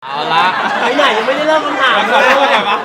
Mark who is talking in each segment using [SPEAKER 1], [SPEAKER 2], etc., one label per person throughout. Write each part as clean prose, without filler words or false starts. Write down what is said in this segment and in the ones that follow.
[SPEAKER 1] เอาละ
[SPEAKER 2] ไปไหนยังไม่ได้เริ่มคำถาม
[SPEAKER 1] ขอ
[SPEAKER 2] เล
[SPEAKER 1] โทษ
[SPEAKER 2] ย
[SPEAKER 1] นะปะ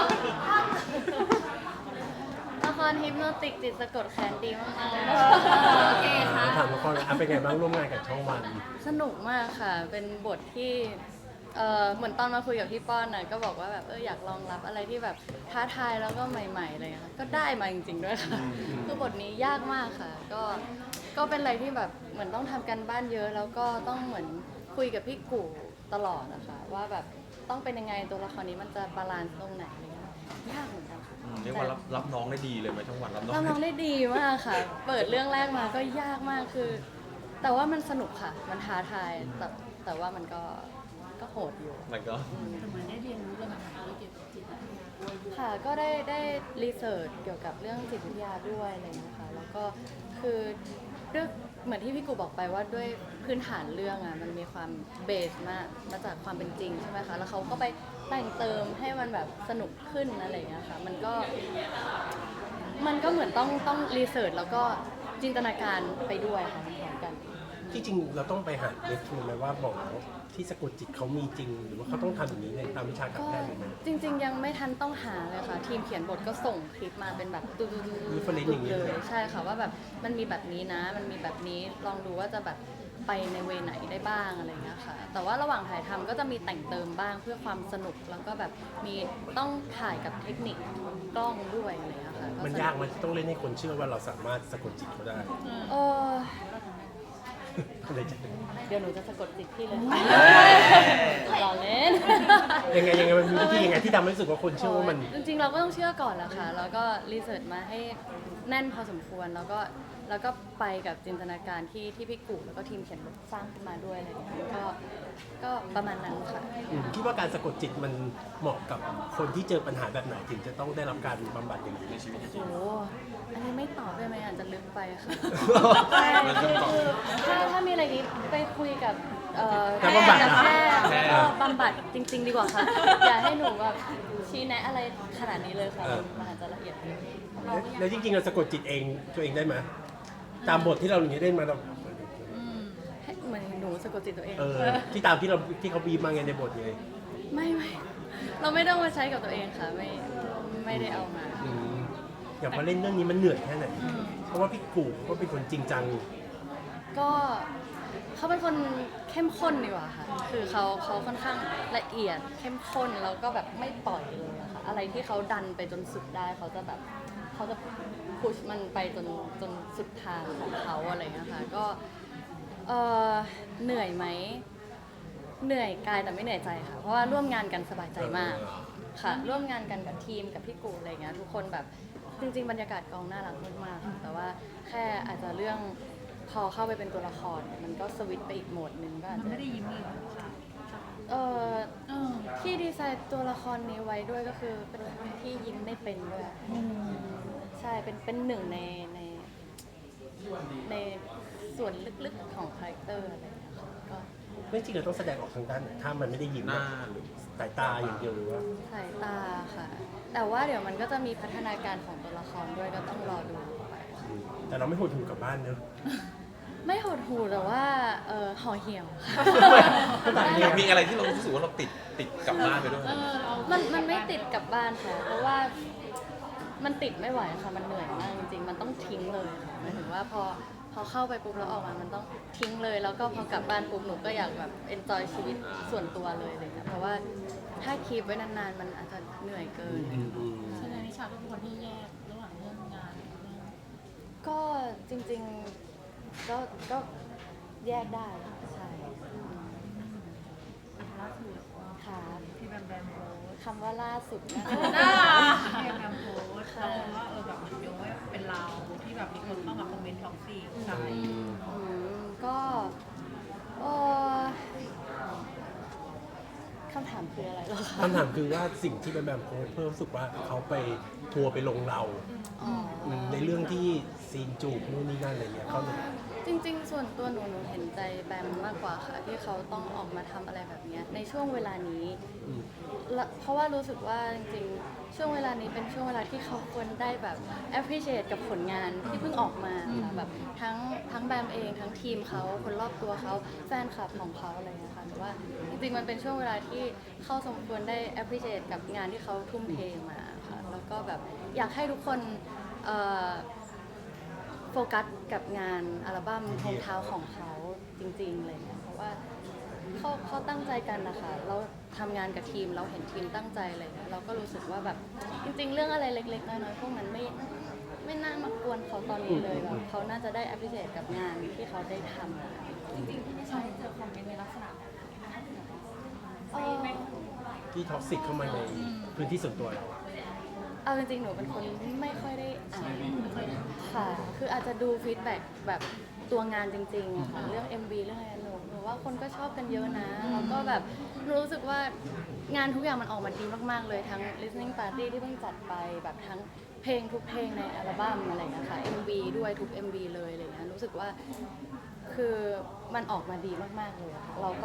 [SPEAKER 3] ละครฮิปโนติกจิตสะกดแขนดีมากๆเลยโอเคค่ะ
[SPEAKER 2] ถามละครเป็นไงบ้างร่วมงานกับช่องวัน
[SPEAKER 3] สนุกมากค่ะ เป็นบทที่เหมือนตอนมาคุยกับพี่ป้อนน่ะก็บอกว่าแบบอยากลองรับอะไรที่แบบท้าทายแล้วก็ใหม่ๆอะไรเลยค่ะก็ได้มาจริงๆด้วยค่ะคือบทนี้ยากมากค่ะ ก็เป็นอะไรที่แบบเหมือนต้องทำกันบ้านเยอะ แล้วก็ต้องเหมือนคุยกับพี่กู่ตลอดนะคะว่าแบบต้องเป็นยังไงตัวละครนี้มันจะบาลานซ์ตรงไหนอะไรเงี้ยยากเหมือนกันค่ะ
[SPEAKER 1] เรียกว่ารับน้องได้ดีเลยไหมช่องวันรับน้อง
[SPEAKER 3] เราน้องได้ดีมากค่ะ เปิดเรื่องแรกมาก็ยากมากคือ แต่ว่ามันสนุกค่ะ มันท้าทาย แต่ว่ามันก็โหดอยู่
[SPEAKER 1] มันก็
[SPEAKER 4] เหมือนได้เรียนรู้เรื่องอาหารเกี่ยวกับจิตวิทยา
[SPEAKER 3] ค่ะ ก็ได้รีเสิร์ชเกี่ยวกับเรื่องจิตวิทยาด้วยอะไรอย่างเงี้ยค่ะ แล้วก็คือด้วยเหมือนที่พี่กูบอกไปว่าด้วยพื้นฐานเรื่องอ่ะ มันมีความเบสมาจากความเป็นจริงใช่ไหมคะ แล้วเขาก็ไปแต่งเติมให้มันแบบสนุกขึ้นอะไรอย่างเงี้ยค่ะ มันก็เหมือนต้องรีเสิร์ชแล้วก็จินตนาการไปด้วยค่ะพร้อมกัน
[SPEAKER 2] ที่จริงเราต้องไปหาเรฟทูไหมว่าหมอที่สะกดจิตเขามีจริง หรือว่าเขาต้องทำอย่างนี้ในตามวิชาการ
[SPEAKER 3] ก็
[SPEAKER 2] แพทย์หรือไม่
[SPEAKER 3] จริง ๆ ยังไม่ทันต้องหาเลยค่ะ ทีมเขียนบทก็ส่งคลิปมาเป็นแบบดู
[SPEAKER 2] reference อย่างนี้
[SPEAKER 3] เล
[SPEAKER 2] เลย ย
[SPEAKER 3] ใช่ค่ะว่าแบบมันมีแบบนี้นะ มันมีแบบนี้ลองดูว่าจะแบบไปในเวไหนได้บ้างอะไรเงี้ยค่ะ แต่ว่าระหว่างถ่ายทำก็จะมีแต่งเติมบ้างเพื่อความสนุกแล้วก็แบบมีต้องถ่ายกับเทคนิคกล้องด้วยอะไรเงี้ยค่ะ
[SPEAKER 2] มันยากมันต้องเล่นให้คนเชื่อว่าเราสามารถสะกดจิตเขาได้
[SPEAKER 3] เออ
[SPEAKER 2] อะไรจะ
[SPEAKER 3] เดี๋ยวหนูจะสะกดจิตพี่เลยรอเล่น
[SPEAKER 2] ยังไงมันมีวิธียังไงที่ทำให้รู้สึกว่าคนเชื่อว่ามัน
[SPEAKER 3] จริงๆเราก็ต้องเชื่อก่อนแหละค่ะ แล้วก็รีเสิร์ชมาให้แน่นพอสมควร แล้วก็ไปกับจินตนาการที่พี่กูแล้วก็ทีมเขียนบทสร้างขึ้นมาด้วยอะไรอย่างเงี้ยก็ประมาณนั้นค่ะ
[SPEAKER 2] คิดว่าการสะกดจิตมันเหมาะกับคนที่เจอปัญหาแบบไหนถึงจะต้องได้รับการบำบัดอย่างนี้ในชีวิต
[SPEAKER 3] โอ้โหอันนี้ไม่ตอบได้ไหมอาจจะลึกไปค่ะ
[SPEAKER 2] ใช่
[SPEAKER 3] ถ้ามีอะไรนี้ไปคุยกับ
[SPEAKER 2] นักบำบัด
[SPEAKER 3] แพ
[SPEAKER 2] นะ
[SPEAKER 3] ทย์แล้วก็บำบัดจริง ๆ ดีกว่าค่ะ อย่าให้หนูแบบชี้แนะอะไรขนาดนี้เลยค่ะ มันอาจจะละเอียดเกิน
[SPEAKER 2] แล้วจริงๆเราสะกดจิตเองตัวเองได้ไหมตามบทที่เราอย่างนี้ได้มาเรา
[SPEAKER 3] ให้เหมือนหนูสะกดจิตตัวเอง
[SPEAKER 2] ที่ตามที่เขาบีบมาไงในบทไง
[SPEAKER 3] ไม่เราไม่ต้องมาใช้กับตัวเองค่ะ ไม่ได้เอามา
[SPEAKER 2] อย่างพอเล่นเรื่องนี้มันเหนื่อยแค่ไหน เพราะว่าพี่กูก็เป็นคนจริงจัง
[SPEAKER 3] ก็เขาเป็นคนเข้มข้นดีกว่าค่ะ คือเขาค่อนข้างละเอียดเข้มข้นแล้วก็แบบไม่ปล่อยเลยอะค่ะ อะไรที่เขาดันไปจนสุดได้เขาจะพุชมันไปจนสุดทางของเขาอะไรอย่างเงี้ยค่ะ ก็เหนื่อยไหม เหนื่อยกายแต่ไม่เหนื่อยใจค่ะ เพราะว่าร่วมงานกันสบายใจมากค่ะ ร่วมงานกันกับทีมกับพี่กูอะไรเงี้ยทุกคนแบบจริง ๆ บรรยากาศกองน่ารักมากๆค่ะแต่ว่าแค่อาจจะเรื่องพอเข้าไปเป็นตัวละครเนี่ยมันก็สวิตช์ไปอีกโหมดหนึ่งก็อาจ
[SPEAKER 4] มัน
[SPEAKER 3] จะ
[SPEAKER 4] ไม่ได้ยิ้มเลยเหรอ
[SPEAKER 3] เอ่อ
[SPEAKER 4] เออ
[SPEAKER 3] ที่ดีไซน์ตัวละครนี้ไว้ด้วยก็คือเป็นคนที่ยิ้มไม่เป็นด้วยใช่เป็นหนึ่งในส่วนลึกๆของคาแรคเตอร์อะไรอย่างเงี้ยค่ะก็
[SPEAKER 2] ไม่จริงเราต้องแสดงออกทางด้านไหนถ้ามันไม่ได้ยิ้ม
[SPEAKER 1] หน้าหรือ
[SPEAKER 2] สายตาอย่างเดียวหรือว่า
[SPEAKER 3] สายตาค่ะ แต่ว่าเดี๋ยวมันก็จะมีพัฒนาการของตัวละครด้วยก็ต้องรอดูไปค่ะ
[SPEAKER 2] แต่เราไม่หดหู่กลับบ้านเนอะ
[SPEAKER 3] ไม่หดหู่แต่ว่าห่อเหี่ยวค่ะ
[SPEAKER 1] มีอะไรที่เรารู้สึกว่าเราติดกลับบ้านไปด้วย
[SPEAKER 3] มันไม่ติดกลับบ้านค่ะ เพราะว่ามันติดไม่ไหวค่ะ มันเหนื่อยมากจริงๆ มันต้องทิ้งเลยค่ะหมายถึงว่าพอเข้าไปปุ๊บแล้วออกมามันต้องทิ้งเลย แล้วก็พอกลับบ้านปุ๊บหนูก็อยากแบบเอนจอยชีวิตส่วนตัวเลยอะไรเลยเพราะว่าถ้าคีปไว้นานๆ มันอาจจะเหนื่อยเกิน
[SPEAKER 4] ฉะนั้นนิชาก็เป็นคนที่แยกระหว่างเรื่องงานกับเรื่อง
[SPEAKER 3] ก็จริงๆก็แยกได้ค่ะใช่
[SPEAKER 4] ล่าสุด
[SPEAKER 3] ค่ะ
[SPEAKER 4] ที่แบมแบมโพสต์
[SPEAKER 3] คำว่าล่าสุดนะ
[SPEAKER 4] ที่แบมแบมโพสต์แล้วว่าแบบมันโยงว่าเป็นเราที่แบบมีคนเข้ามาคอมเมนต์ท็อกซี่ใช่
[SPEAKER 3] ก็เอ่อคำถามคืออะไรเหรอคะ
[SPEAKER 2] คำถามคือว่าสิ่งที่แบมแบมโพสต์เพื่อรู้สึกว่าเขาไปทัวร์ไปลงเรา
[SPEAKER 3] อ๋อ
[SPEAKER 2] ในเรื่องที่ซีนจูบนู่นนี่นั่นอะไรเงี้ยเขาเลย
[SPEAKER 3] จริงๆ ส่วนตัวหนูเห็นใจแบมมากกว่าค่ะ ที่เขาต้องออกมาทำอะไรแบบเนี้ยในช่วงเวลานี้ เพราะว่ารู้สึกว่าจริงๆ ช่วงเวลานี้เป็นช่วงเวลาที่เขาควรได้แบบ appreciate กับผลงานที่เพิ่งออกมาค่ะแบบทั้งแบมเองทั้งทีมเขาคนรอบตัวเขาแฟนคลับของเขาอะไรอย่างเงี้ยค่ะหนูว่าจริงๆมันเป็นช่วงเวลาที่เขาสมควรได้ appreciate กับงานที่เขาทุ่มเทมาค่ะแล้วก็แบบอยากให้ทุกคนโฟกัสกับงานอัลบั้มรองเท้าของเขาจริงๆอะไรเงี้ยเพราะว่าเขาตั้งใจกันนะคะเราทำงานกับทีมเราเห็นทีมตั้งใจอะไรเงี้ยเราก็รู้สึกว่าแบบจริงๆเรื่องอะไรเล็กๆน้อยๆพวกนั้นไม่น่ามากวนเขาตอนนี้เลยแบบเขาน่าจะได้ appreciate กับงานที่เขาได้ทำ
[SPEAKER 5] จริงๆที่นิชาได้เจอคอมเมนต์ในลักษณะแบบนี้ไหม
[SPEAKER 2] ที่ท็อกซิกเข้ามาในพื้นที่ส่วนตัวเรา
[SPEAKER 3] เอาจริงๆ หนูเป็นคนไม่ค่อยได้อ่านค่ะ คืออาจจะดูฟีดแบ็กแบบตัวงานจริงๆอะค่ะ เรื่อง MV เรื่องอะไรหนูว่าคนก็ชอบกันเยอะนะ แล้วก็แบบหนูรู้สึกว่างานทุกอย่างมันออกมาดีมากๆ เลย ทั้ง listening party ที่เพิ่งจัดไป แบบทั้งเพลงทุกเพลงในอัลบั้มอะไรอย่างเงี้ยค่ะ MV ด้วยทุก MV เลยอะไรเงี้ย รู้สึกว่าคือมันออกมาดีมากๆเลยอะค่ะเรา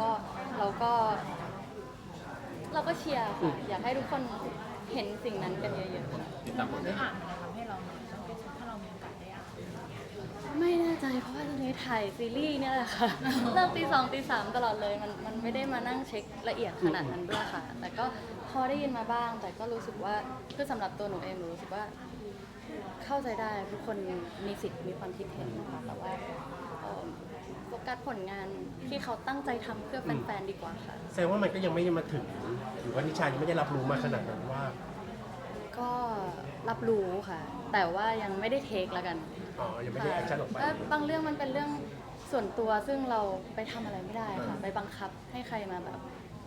[SPEAKER 3] ก็เชียร์ค่ะ อยากให้ทุกคนเห็นสิ่งนั้นกันเยอะๆค่ะ
[SPEAKER 1] ติดตามผล
[SPEAKER 4] ได้
[SPEAKER 1] งาน
[SPEAKER 4] อ่านอะไรทำให้เราเนี่ยต้องเป็นถ้าเรามีโอกาสได้อ่าน
[SPEAKER 3] ไม่แน่ใจเพราะว่าตอนนี้ถ่ายซีรีส์เนี่ยแหละค่ะ เริ่มตี 2ตี 3ตลอดเลยมันไม่ได้มานั่งเช็คละเอียดขนาดนั้นด้วยค่ะ แต่ก็พอได้ยินมาบ้าง แต่ก็รู้สึกว่าคือสำหรับตัวหนูเองหนูรู้สึกว่าเข้าใจได้ทุกคนมีสิทธิ์มีความคิดเห็นนะคะแต่ว่าโฟกัสผลงานที่เขาตั้งใจทำเพื่อแฟนๆดีกว่าค่ะ
[SPEAKER 2] แสดงว่ามันก็ยังไม่ได้มาถึงหรือว่านิชายังไม่ได้รับรู้มาขนาดนั้นว่า
[SPEAKER 3] ก็รับรู้ค่ะ แต่ว่ายังไม่ได้เทคแล้วกัน
[SPEAKER 2] อ๋อยังไม่ได้แอคชั่นออกไป
[SPEAKER 3] แล้วบางเรื่องมันเป็นเรื่องส่วนตัวซึ่งเราไปทำอะไรไม่ได้ค่ะ ไปบังคับให้ใครมาแบบ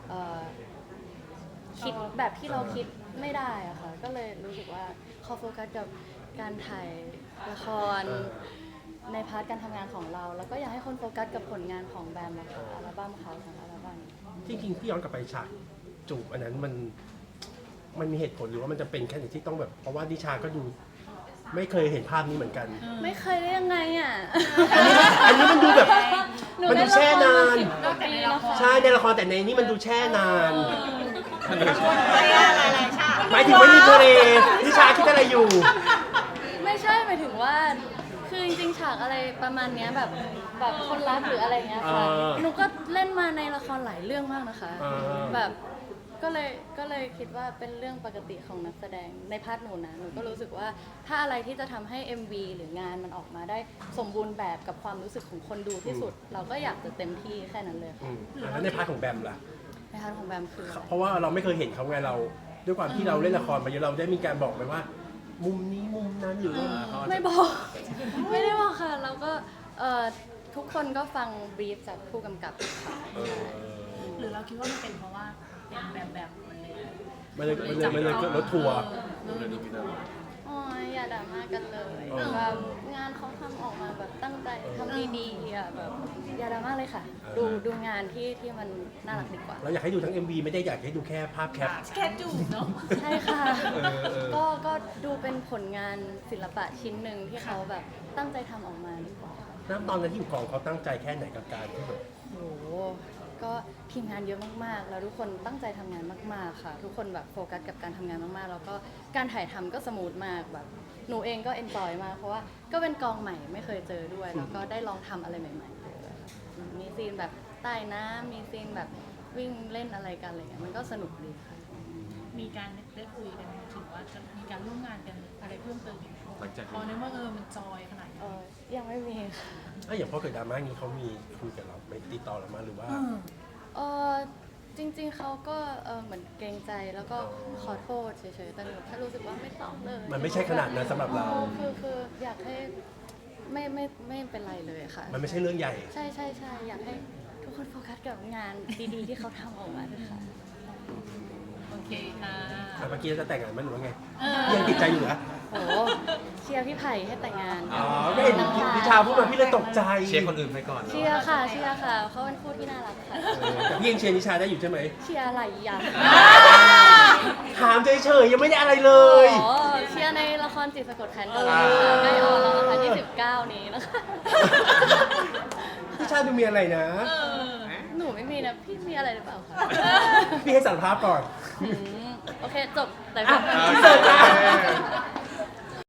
[SPEAKER 3] คิดแบบที่เราคิดไม่ได้อะค่ะ ก็เลยรู้สึกว่าเขาโฟกัสกับการถ่ายละครในพาร์ทการทำงานของเรา แล้วก็อยากให้คนโฟกัสกับผลงานของแบมอะค่ะอัลบั้มเขาของอัลบั้ม
[SPEAKER 2] จริงๆที่ย้อนกลับไปฉากจูบอันนั้นมันมีเหตุผลหรือว่ามันจะเป็นแค่ไหนที่ต้องแบบเพราะว่านิชาก็ดูไม่เคยเห็นภาพนี้เหมือนกัน
[SPEAKER 3] ไม่เคยได้ยังไงอ่ะ
[SPEAKER 2] อันนี้มันดูแบบ
[SPEAKER 3] หนู
[SPEAKER 2] มันดู
[SPEAKER 3] เล่น
[SPEAKER 2] แช่
[SPEAKER 3] ละคร
[SPEAKER 2] นาน
[SPEAKER 3] มา10 กว่าปีแล้วค่ะ
[SPEAKER 2] ใช่ในละครแต่ในนี้มันดูแช่นาน
[SPEAKER 1] มันดู
[SPEAKER 4] อะไรชา
[SPEAKER 2] หมายถึงว่ามีทะเลนิชาคิดอะไรอยู่
[SPEAKER 3] ไม่ใช่หมายถึงว่า คือจริงๆฉากอะไรประมาณเนี้ยแบบคนรักหรืออะไรเงี้ยค่ะ หนูก็เล่นมาในละครหลายเรื่องมากนะคะ แบบก็เลยคิดว่าเป็นเรื่องปกติของนักแสดงในพาร์ทหนูนะ หนูก็รู้สึกว่าถ้าอะไรที่จะทำให้ MV หรืองานมันออกมาได้สมบูรณ์แบบกับความรู้สึกของคนดูที่สุด เราก็อยากจะเต็มที่แค่นั้นเลยค่ะ
[SPEAKER 2] แล้วในพาร์ทของแบมล่ะ
[SPEAKER 3] ในพาร์ทของแบมคืออะไร
[SPEAKER 2] เพราะว่าเราไม่เคยเห็นเขาไงเรา ด้วยความที่เราเล่นละครมาเยอะเราได้มีการบอกไปว่า มุมนี้มุมนั้นหรือว่า
[SPEAKER 3] ไม่บอก ไม่ได้บอกค่ะเราก็ทุกคนก็ฟังบรีฟจากผู้กำกับค่ะ
[SPEAKER 4] หรือเราคิดว่ามันเป็นเพราะว่าเป็นแบบมันเลย
[SPEAKER 2] มันเลยเกิดรถทัวร์
[SPEAKER 1] เลยดูพี่ดาว
[SPEAKER 3] โอ้ยอย่าด่ามากันเลย
[SPEAKER 2] เออ
[SPEAKER 3] แบบงานเขาทำออกมาแบบตั้งใจทำดีๆอ่ะแบบอย่าด่ามาเลยค่ะ ดูงานที่มันน่ารักดีกว่า
[SPEAKER 2] เราอยากให้ดูทั้ง MV ไม่ได้อยากให้ดูแค่ภาพแคป
[SPEAKER 4] แค่จูบเนาะ
[SPEAKER 3] ใช่ค่ะ
[SPEAKER 2] เออ
[SPEAKER 3] ก็ดูเป็นผลงานศิลปะชิ้นหนึ่งที่เขาแบบตั้งใจทำออกมาดีกว่า
[SPEAKER 2] น้ำตอนนั้นที่อยู่กองเขาตั้งใจแค่ไหนกับการที่แบบ
[SPEAKER 3] โอ้โหก็ทีมงานเยอะมากๆ แล้วทุกคนตั้งใจทำงานมากๆค่ะ ทุกคนแบบโฟกัสกับการทำงานมากๆ แล้วก็การถ่ายทำก็สมูทมากแบบหนูเองก็เอนจอยมากเพราะว่าก็เป็นกองใหม่ไม่เคยเจอด้วย แล้วก็ได้ลองทำอะไรใหม่ๆเลยค่ะมีซีนแบบใต้น้ำมีซีนแบบวิ่งเล่นอะไรกันอะไรเงี้ยมันก็สนุกดีค่ะ
[SPEAKER 4] มีการได้คุยกันถึงว่าจะมีการร่วมงานกันอะไรเพิ่มเติมอีกไหม
[SPEAKER 1] หลังจาก
[SPEAKER 4] พอในเมื่อมันจอยขนาดนี้
[SPEAKER 3] ยังไม่มีค่ะ
[SPEAKER 2] อย่างพอเกิดดราม่านี้เขามีคุยกับเราไหม่ติดต่อเรามาหรือว่า
[SPEAKER 3] จริงๆเขาก็เหมือนเกรงใจแล้วก็ขอโทษเฉยๆแต่หนูแค่รู้สึกว่าไม่ต้องเลย
[SPEAKER 2] มันไม่ใช่ขนาดนั้นสำหรับเรา
[SPEAKER 3] คืออยากให้ไม่เป็นไรเลยค่ะ
[SPEAKER 2] มันไม่ใช่เรื่องใหญ่
[SPEAKER 3] ใช่อยากให้ทุกคนโฟกัสกับงานดีๆ ที่เขาทำออกมาด้วยค่ะ
[SPEAKER 4] โอเคค่ะ
[SPEAKER 2] แต่เมื่อกี้จะแต่งงานไหมันหรือว่าไงยังติดใจอยู่นะ
[SPEAKER 3] โอ้เชียร์พี่ไผ่ให้แต่งงาน
[SPEAKER 2] อ๋อก็เห็นนิชาพูดมาพี่เลยตกใจ
[SPEAKER 1] เชียร์คนอื่นไปก่อน
[SPEAKER 3] เชียร์ค่ะเขาเป็นคู่ที่น่ารักค่ะ
[SPEAKER 2] แต่พี่ยังเชียร์นิชาได้อยู่ใช่ไหม
[SPEAKER 3] เชียร์อะไรอย่าง
[SPEAKER 2] ถามเฉยๆยังไม่ได้อะไรเลย
[SPEAKER 3] อ๋อเชียร์ในละครจิตสะกดแค้นกันเลยค่ะใกล้ออนแล้วนะคะ29 นี้นะคะ
[SPEAKER 2] นิชาดูมีอะไรนะ
[SPEAKER 3] หนูไม่มีนะ พี่มีอะไรหรือเปล่าคะ
[SPEAKER 2] พี่ให้สารภาพก่อน
[SPEAKER 3] โอเค จบแต่
[SPEAKER 2] อ่ะ
[SPEAKER 3] ก็
[SPEAKER 2] อินเสิร์ตค่ะ